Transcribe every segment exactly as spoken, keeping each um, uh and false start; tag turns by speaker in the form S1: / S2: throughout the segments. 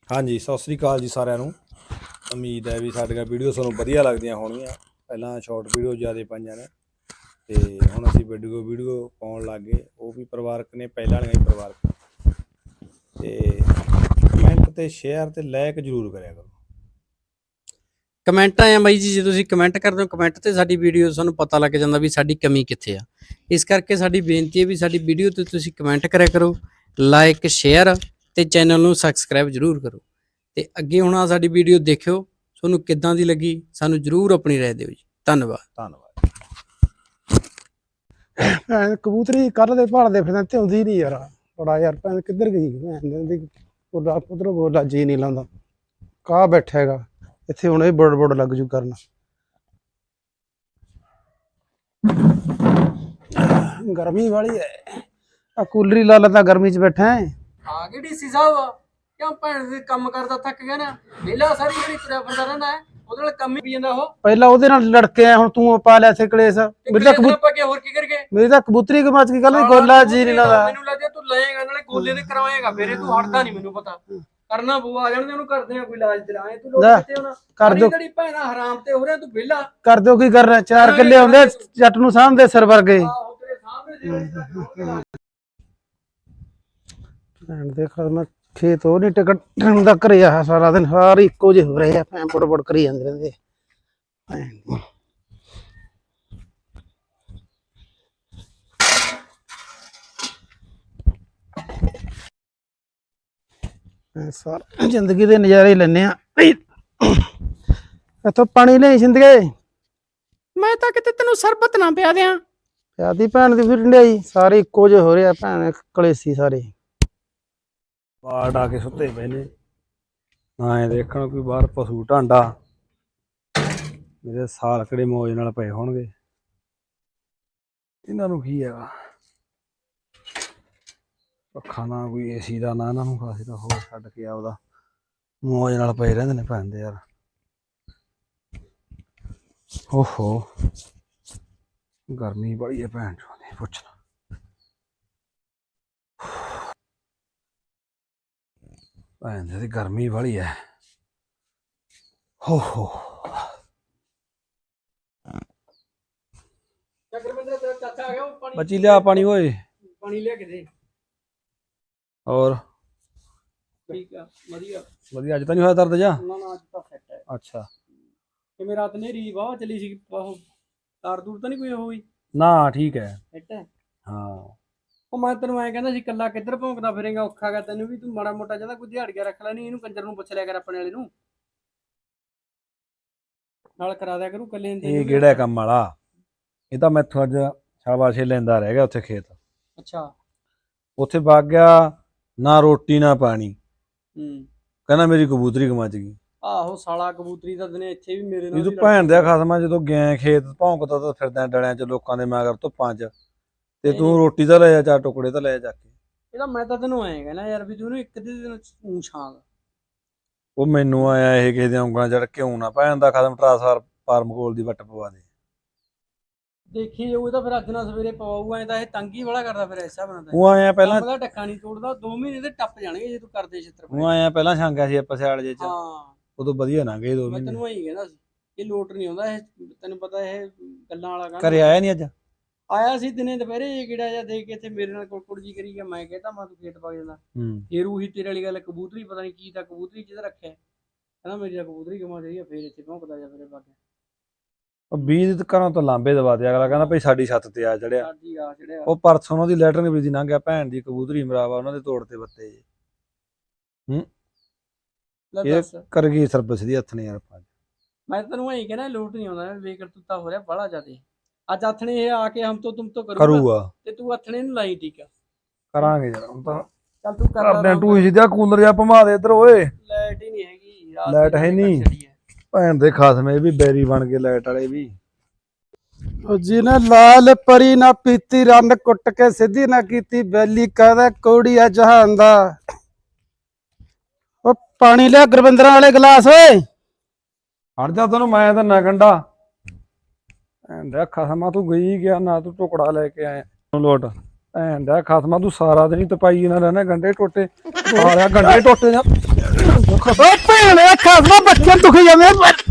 S1: हाँ जी सत श्री अकाल जी सारिਆਂ ਨੂੰ। उम्मीद है भी साडियां वीडियो ਤੁਹਾਨੂੰ ਵਧੀਆ ਲੱਗਦੀਆਂ ਹੋਣਗੀਆਂ। ਪਹਿਲਾਂ ਸ਼ਾਰਟ ਵੀਡੀਓ ਜ਼ਿਆਦਾ ਪਾਈਆਂ ਨੇ ਤੇ ਹੁਣ ਅਸੀਂ ਵੀਡੀਓ ਵੀਡੀਓ ਪਾਉਣ ਲੱਗ ਗਏ। ਉਹ ਵੀ ਪਰਿਵਾਰਕ ਨੇ, ਪਹਿਲਾਂ ਵਾਲੀਆਂ ਵੀ ਪਰਿਵਾਰਕ। ਤੇ ਕਮੈਂਟ ਤੇ ਸ਼ੇਅਰ ਤੇ ਲਾਈਕ ਜ਼ਰੂਰ ਕਰਿਆ ਕਰੋ।
S2: ਕਮੈਂਟ ਆਇਆ ਬਾਈ ਜੀ, ਜੇ ਤੁਸੀਂ ਕਮੈਂਟ ਕਰਦੇ ਹੋ ਕਮੈਂਟ ਤੇ ਸਾਡੀ ਵੀਡੀਓ ਸਾਨੂੰ ਪਤਾ ਲੱਗ ਜਾਂਦਾ ਵੀ ਸਾਡੀ ਕਮੀ ਕਿੱਥੇ ਆ। ਇਸ ਕਰਕੇ ਸਾਡੀ ਬੇਨਤੀ ਹੈ ਵੀ ਸਾਡੀ ਵੀਡੀਓ ਤੇ ਤੁਸੀਂ ਕਮੈਂਟ ਕਰਿਆ ਕਰੋ, ਲਾਈਕ ਸ਼ੇਅਰ ਤੇ ਚੈਨਲ ਨੂੰ ਸਬਸਕ੍ਰਾਈਬ ਜ਼ਰੂਰ ਕਰੋ। ਤੇ ਅੱਗੇ ਹੁਣ ਆ ਸਾਡੀ ਵੀਡੀਓ ਦੇਖਿਓ, ਤੁਹਾਨੂੰ ਕਿੱਦਾਂ ਦੀ ਲੱਗੀ ਸਾਨੂੰ ਜ਼ਰੂਰ ਆਪਣੀ ਰਾਏ ਦਿਓ ਜੀ। ਧੰਨਵਾਦ
S1: ਧੰਨਵਾਦ।
S3: ਕਬੂਤਰੀ ਕੱਲ ਦੇ ਭਾਲਦੇ ਫਿਰਦੇ ਤੇ ਆਉਂਦੀ ਨਹੀਂ ਯਾਰ। ਬੜਾ ਯਾਰ ਭੈਣ ਕਿੱਧਰ ਗਈ ਭੈਣ ਦੀ ਉਹਦਾ ਉਧਰੋਂ ਬੋਲਾ ਜੀ ਨਹੀਂ ਲਾਉਂਦਾ। ਕਾਹ ਬੈਠਾ ਹੈਗਾ ਇੱਥੇ, ਹੁਣ ਇਹ ਬੜ ਬੜ ਲੱਗ ਜੂ ਕਰਨ। ਗਰਮੀ ਵਾਲੀ ਹੈ, ਆ ਕੂਲਰ ਹੀ ਲਾ ਲਾ ਤਾਂ ਗਰਮੀ ਚ ਬੈਠਾ ਹੈ।
S2: ਆ ਗਏ ਡੀਸੀ ਸਾਹਿਬ, ਕਿਉਂ ਭੈਣ ਦੇ ਕੰਮ ਕਰਦਾ ਥੱਕ ਗਿਆ ਨਾ। ਵੇਲਾ ਸਾਰੀ ਜਿਹੜੀ ਤੁਰਿਆ ਫਿਰਦਾ ਰਹਿੰਦਾ ਹੈ, ਉਹਦੇ ਨਾਲ ਕੰਮ ਹੀ ਪੀ ਜਾਂਦਾ। ਉਹ
S3: ਪਹਿਲਾਂ ਉਹਦੇ ਨਾਲ ਲੜਕੇ ਆ, ਹੁਣ ਤੂੰ ਪਾ ਲਿਆ ਇੱਥੇ ਕਲੇਸ਼। ਮੇਰੀ ਤਾਂ
S2: ਆਪਾਂ ਹੋਰ ਕੀ ਕਰਗੇ,
S3: ਮੇਰੀ ਤਾਂ ਕਬੂਤਰੀ ਕਮਾਚ ਕੀ ਗੱਲ ਗੋਲਾ ਜੀ ਨਹੀਂ ਲਾਉਂਦਾ।
S2: ਮੈਨੂੰ ਲੱਗਦਾ ਤੂੰ ਲਏਗਾ ਨਾਲੇ ਗੋਲੇ ਤੇ ਕਰਵਾਏਗਾ, ਫੇਰੇ ਤੂੰ ਹਟਦਾ ਨਹੀਂ। ਮੈਨੂੰ ਪਤਾ ਕਰਨਾ ਬੂ ਆ ਜਾਣਦੇ ਉਹਨੂੰ, ਕਰਦੇ ਆ ਕੋਈ ਇਲਾਜ ਤੇਰਾ। ਐ ਤੂੰ ਲੋਕ ਕਿੱਥੇ ਹੋਣਾ
S3: ਕਰ ਦਿਓ,
S2: ਜਿਹੜੀ ਭੈਣਾ ਹਰਾਮ ਤੇ ਹੋ ਰਿਹਾ ਤੂੰ ਵਿਹਲਾ
S3: ਕਰ ਦਿਓ। ਕੀ ਕਰਨਾ, ਚਾਰ ਕਿੱਲੇ ਆਉਂਦੇ ਜੱਟ ਨੂੰ ਸਾਂਭਦੇ ਸਿਰ ਵਰਗੇ। ਦੇਖ ਮੈਂ ਖੇਤ ਉਹ ਨਹੀਂ ਟਿਕਟ ਦਾ ਘਰੇ ਆ ਸਾਰਾ ਦਿਨ, ਸਾਰੇ ਇੱਕੋ ਜਿਹੇ ਹੋ ਰਹੇ ਆ। ਭੈਣ ਬੜ ਬੜ ਕਰੀ ਜਾਂਦੇ ਰਹਿੰਦੇ। ਸਾਰ ਜ਼ਿੰਦਗੀ ਦੇ ਨਜ਼ਾਰੇ ਲੈਣੇ ਆ। ਇੱਥੋਂ ਪਾਣੀ ਲੈ ਸਿੰਦਗੇ।
S2: ਮੈਂ ਤਾਂ ਕਿਤੇ ਤੈਨੂੰ ਸਰਬਤ ਨਾ ਪਿਆ ਦਿਆਂ।
S3: ਪਿਆਦੀ ਭੈਣ ਦੀ ਫਿਰ ਢਿਆਈ, ਸਾਰੇ ਇੱਕੋ ਜਿਹੇ ਹੋ ਰਹੇ ਆ। ਭੈਣ ਕਲੇਸੀ ਸਾਰੇ
S1: ਬਾੜ ਆ ਕੇ ਸੁੱਤੇ ਪਏ ਨੇ। ਨਾ ਦੇਖਣ ਕੋਈ ਬਾਹਰ ਪਸ਼ੂ ਢਾਂਡਾ, ਮੇਰੇ ਸਾਲ ਕਿਹੜੇ ਮੌਜ ਨਾਲ ਪਏ ਹੋਣਗੇ। ਇਹਨਾਂ ਨੂੰ ਕੀ ਹੈਗਾ, ਪੱਖਾ ਨਾ ਕੋਈ ਏਸੀ ਦਾ ਨਾ ਇਹਨਾਂ ਨੂੰ ਖਾਸੀ ਦਾ। ਹੋਰ ਛੱਡ ਕੇ ਆਪਦਾ ਮੌਜ ਨਾਲ ਪਏ ਰਹਿੰਦੇ ਨੇ ਭੈਣ ਦੇ ਯਾਰ। ਓਹੋ ਗਰਮੀ ਬੜੀ ਹੈ ਭੈਣ ਚੋਂ, ਪੁੱਛਣਾ। ਭੈਣ ਦੀ ਗਰਮੀ ਵਾਲੀ ਹੈ। ਹੋ ਹੋ
S2: ਚਾਚਾ ਆ ਗਿਆ, ਉਹ ਪਾਣੀ
S1: ਬੱਚੀ ਲਿਆ ਪਾਣੀ ਓਏ,
S2: ਪਾਣੀ ਲਿਆ ਕੇ ਦੇ।
S1: ਹੋਰ
S2: ਠੀਕ ਆ, ਵਧੀਆ
S1: ਵਧੀਆ। ਅੱਜ ਤਾਂ ਨਹੀਂ ਹੋਇਆ ਦਰਦ ਜਾ?
S2: ਨਾ ਨਾ ਅੱਜ ਤਾਂ ਸੈੱਟ ਹੈ।
S1: ਅੱਛਾ,
S2: ਕਿਵੇਂ ਰਾਤ ਨੇਰੀ ਵਾਹ ਚੱਲੀ ਸੀ, ਉਹ ਤਾਰ ਦੂਰ ਤਾਂ ਨਹੀਂ ਕੋਈ ਹੋਈ?
S1: ਨਾ ਠੀਕ ਹੈ।
S2: ਸੈੱਟ ਹੈ
S1: ਹਾਂ।
S2: ਉਹ ਮੈਂ ਤੈਨੂੰ ਐਂ ਕਹਿੰਦਾ ਸੀ, ਕੱਲਾ ਕਿੱਧਰ ਭੌਂਕਦਾ ਫਿਰੇਗਾ, ਔਖਾ ਗਾ ਤੈਨੂੰ ਵੀ। ਤੂੰ ਮਾੜਾ ਮੋਟਾ ਜਾਂਦਾ ਕੋਈ ਦਿਹਾੜੀਆ ਰੱਖ ਲੈ, ਨਹੀਂ ਇਹਨੂੰ ਕੰਜਰ ਨੂੰ ਪੁੱਛ ਲਿਆ ਕਰ, ਆਪਣੇ ਵਾਲੇ ਨੂੰ ਨਾਲ ਕਰਾ ਦਿਆ ਕਰੂ ਕੱਲੇ।
S1: ਇਹ ਕਿਹੜਾ ਕੰਮ ਵਾਲਾ, ਇਹ ਤਾਂ ਮੈਥੋਂ ਅੱਜ ਸ਼ਾਬਾਸ਼ੇ ਲੈਂਦਾ ਰਹਿ ਗਿਆ ਉੱਥੇ ਖੇਤ।
S2: ਅੱਛਾ,
S1: ਉੱਥੇ ਵਗ ਗਿਆ, ਨਾ ਰੋਟੀ ਨਾ ਪਾਣੀ।
S2: ਹੂੰ,
S1: ਕਹਿੰਦਾ ਮੇਰੀ ਕਬੂਤਰੀ ਗਮਚ ਗਈ।
S2: ਆਹੋ ਸਾਲਾ ਕਬੂਤਰੀ ਦਾ ਦਿਨੇ ਇੱਥੇ ਵੀ ਮੇਰੇ ਨਾਲ।
S1: ਇਹ ਤੂੰ ਭੈਣ ਦਿਆ ਖਸਮਾ, ਜਦੋਂ ਗਿਆ ਖੇਤ ਭੌਂਕਦਾ ਤਾਂ ਫਿਰਦਾ ਡਲਿਆਂ ਚ ਲੋਕਾਂ ਦੇ ਮਗਰ ਧੁੱਪਾਂ ਚ, ਤੇ ਤੂੰ ਰੋਟੀ ਤਾਂ ਲੈ ਜਾ, ਚਾਰ ਟੁਕੜੇ ਤਾਂ ਲੈ ਜਾ ਕੇ।
S2: ਇਹਦਾ ਮੈਂ ਤਾਂ ਤੈਨੂੰ ਐਂ ਕਹਿਣਾ ਯਾਰ ਵੀ ਤੂੰ ਇੱਕ ਦਿਨ ਊਂ ਛਾਂਗ।
S1: ਉਹ ਮੈਨੂੰ ਆਇਆ ਇਹ ਕਿਸੇ ਦੀਆਂ ਉਂਗਲਾਂ ਚੜ ਕਿਉਂ ਨਾ ਭੈਣ ਦਾ ਖਸਮ ਟਰਾਂਸਫਾਰ ਫਾਰਮ ਕੋਲ ਦੀ ਵੱਟ ਪਵਾ ਦੇ।
S2: ਦੇਖੀ ਜਾਊ ਤਾਂ ਫਿਰ ਅੱਜ ਨਾ ਸਵੇਰੇ ਪਵਾਊਗਾ। ਐ ਤਾਂ ਇਹ ਤੰਗੀ ਵਾਲਾ ਕਰਦਾ ਫਿਰ ਐਸਾ ਬਣਦਾ।
S1: ਉਹ ਆਇਆ ਪਹਿਲਾਂ
S2: ਦਾ ਟੱਕਾ ਨਹੀਂ ਤੋੜਦਾ, ਦੋ ਮਹੀਨੇ ਦੇ ਟੱਪ ਜਾਣਗੇ ਜੇ ਤੂੰ ਕਰਦੇ ਛਿੱਤਰ।
S1: ਉਹ ਆਇਆ ਪਹਿਲਾਂ ਛਾਂਗਿਆ ਸੀ ਆਪਾਂ ਸਿਆਲ ਜੇ ਚ,
S2: ਹਾਂ
S1: ਉਦੋਂ ਵਧੀਆ ਨਾ ਗਏ ਦੋ
S2: ਮੈਂ
S1: ਮਹੀਨੇ।
S2: ਤੈਨੂੰ ਐਂ ਕਹਿੰਦਾ ਸੀ, ਇਹ ਲੋਟ ਨਹੀਂ ਆਉਂਦਾ ਇਹ, ਤੈਨੂੰ ਪਤਾ ਇਹ ਗੱਲਾਂ ਵਾਲਾ ਕੰਮ।
S1: ਘਰੇ ਆਇਆ ਨਹੀਂ ਅੱਜ?
S2: ਆਇਆ ਸੀ ਦਿਨੇ ਦੁਪਹਿਰੇ ਇਹ ਕਿਹੜਾ ਜਿਹਾ ਦੇ ਕੇ ਇੱਥੇ ਮੇਰੇ ਨਾਲ ਕੁੜਕੁੜ ਜੀ ਕਰੀ ਗਿਆ। ਮੈਂ ਕਹਿੰਦਾ ਮੈਂ ਤੂੰ ਖੇਤ ਪਾ ਜਾਂਦਾ।
S1: ਹੂੰ,
S2: ਫੇਰ ਉਹੀ ਤੇਰੇ ਵਾਲੀ ਗੱਲ, ਕਬੂਤਰੀ ਪਤਾ ਨਹੀਂ ਕੀ ਤਾਂ ਕਬੂਤਰੀ ਜਿਹਦਾ ਰੱਖਿਆ, ਕਹਿੰਦਾ ਮੇਰੀ ਤਾਂ ਕਬੂਤਰੀ ਗਮਾ ਰਹੀ ਆ। ਫੇਰ ਇੱਥੇ ਭੌਂਕਦਾ ਜਾ ਫਿਰੇ ਬਾਗੇ।
S1: ਉਹ ਬੀਜ ਘਰੋਂ ਤੋਂ ਲਾਂਬੇ ਦਵਾ ਦੇ। ਅਗਲਾ ਕਹਿੰਦਾ ਭਾਈ ਸਾਡੀ ਛੱਤ ਤੇ ਆ ਚੜਿਆ।
S2: ਸਾਡੀ ਆ ਚੜਿਆ।
S1: ਉਹ ਪਰਸੋਂ ਉਹਨਾਂ ਦੀ ਲੈਟਰ ਨਹੀਂ ਬੀਜੀ ਲੰਘ ਗਿਆ, ਭੈਣ ਦੀ ਕਬੂਤਰੀ ਮਰਾਵਾ ਉਹਨਾਂ ਦੇ ਤੋੜ ਤੇ ਬੱਤੇ ਜੇ। ਹੂੰ, ਇਹ ਕਰ ਗਈ ਸਰਵਿਸ ਦੀ ਹੱਥ ਨੇ ਯਾਰ।
S2: ਮੈਂ ਤੈਨੂੰ ਐਂ ਕਹਿੰਦਾ ਲੋਟ ਨਹੀਂ ਆਉਂਦਾ, ਬੇਕਰਤੂਤਾ ਹੋ ਰਿਹਾ ਬਾਹਲਾ ਜ਼ਿਆਦੇ। ਅੱਜ ਆਥਣੇ ਇਹ ਆ ਕੇ ਹਮ ਤੋਂ ਤੁਮ ਤੋਂ
S1: ਕਰੂਗਾ,
S2: ਤੇ ਤੂੰ ਆਥਣੇ ਨੂੰ ਲਾਈ। ਠੀਕ ਆ,
S1: ਕਰਾਂਗੇ ਯਾਰ। ਹੁਣ ਤਾਂ
S2: ਚੱਲ ਤੂੰ ਕਰ
S1: ਕਰਦੇ ਟੂਈ ਸਿੱਧਾ ਕੂਲਰ ਜਾਂ ਭਮਾ ਦੇ ਇੱਧਰ ਓਏ।
S2: ਲਾਈਟ ਹੀ ਨਹੀਂ ਹੈਗੀ,
S1: ਲਾਈਟ ਹੈ ਨਹੀਂ ਭੈਣ ਦੇ ਖਾਸਮੇ ਵੀ ਬੈਰੀ ਬਣ ਗਏ ਲਾਈਟ ਵਾਲੇ ਵੀ।
S3: ਜਿਹਨੇ ਲਾਲ ਪਰੀ ਨਾ ਪੀਤੀ, ਰੰਨ ਕੁੱਟ ਕੇ ਸਿੱਧੀ ਨਾ ਕੀਤੀ, ਬੈਲੀ ਕਹਦਾ ਕੋੜੀ ਆ ਜਹਾਨ ਦਾ। ਉਹ ਪਾਣੀ ਲਿਆ ਗੁਰਵਿੰਦਰਾਂ ਵਾਲੇ ਗਲਾਸ ਓਏ।
S1: ਹਟ ਜਾ, ਤੈਨੂੰ ਮੈਂ ਤਾਂ ਨਾ ਗੰਡਾ ਭੈਣ ਦਾ ਖਸਮਾ। ਤੂੰ ਗਈ ਗਿਆ ਨਾ, ਤੂੰ ਟੁਕੜਾ ਲੈ ਕੇ ਆਇਆ ਲੋਟ। ਭੈਣ ਦਾ ਖਸਮਾ, ਤੂੰ ਸਾਰਾ ਦਿਨ ਹੀ ਤਪਾਈ ਨਾਲ ਰਹਿਣਾ। ਗੰਡੇ ਟੋਟੇ ਆ ਰਿਹਾ, ਗੰਡੇ ਟੋਟੇ
S3: ਓ ਭੈਣ ਦੇ ਖਾਸਮਾ ਬੱਚੇ ਦੁਖ ਜਾਂਦੇ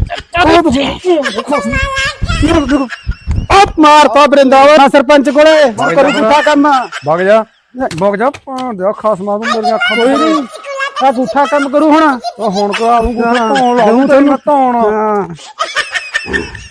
S3: ਓ ਮਾਰਤਾ ਬਰਿੰਦਾਵਾ ਸਰਪੰਚ ਕੋਲੇ ਕਰੂ ਪੁੱਠਾ ਕੰਮ
S1: ਵਗ ਜਾ ਵਗ ਜਾ ਭਾਂ ਦੇ ਖਾਸਮਾ ਤੂੰ ਮੇਰੀਆਂ ਅੱਖਾਂ
S3: ਕੋਈ ਨਹੀਂ ਆ ਪੁੱਠਾ ਕੰਮ ਕਰੂ ਹੁਣ
S1: ਉਹ ਹੁਣ ਕੋ ਆਉਂ ਧੌਣ ਲਾ ਤੈਨੂੰ ਧੌਣ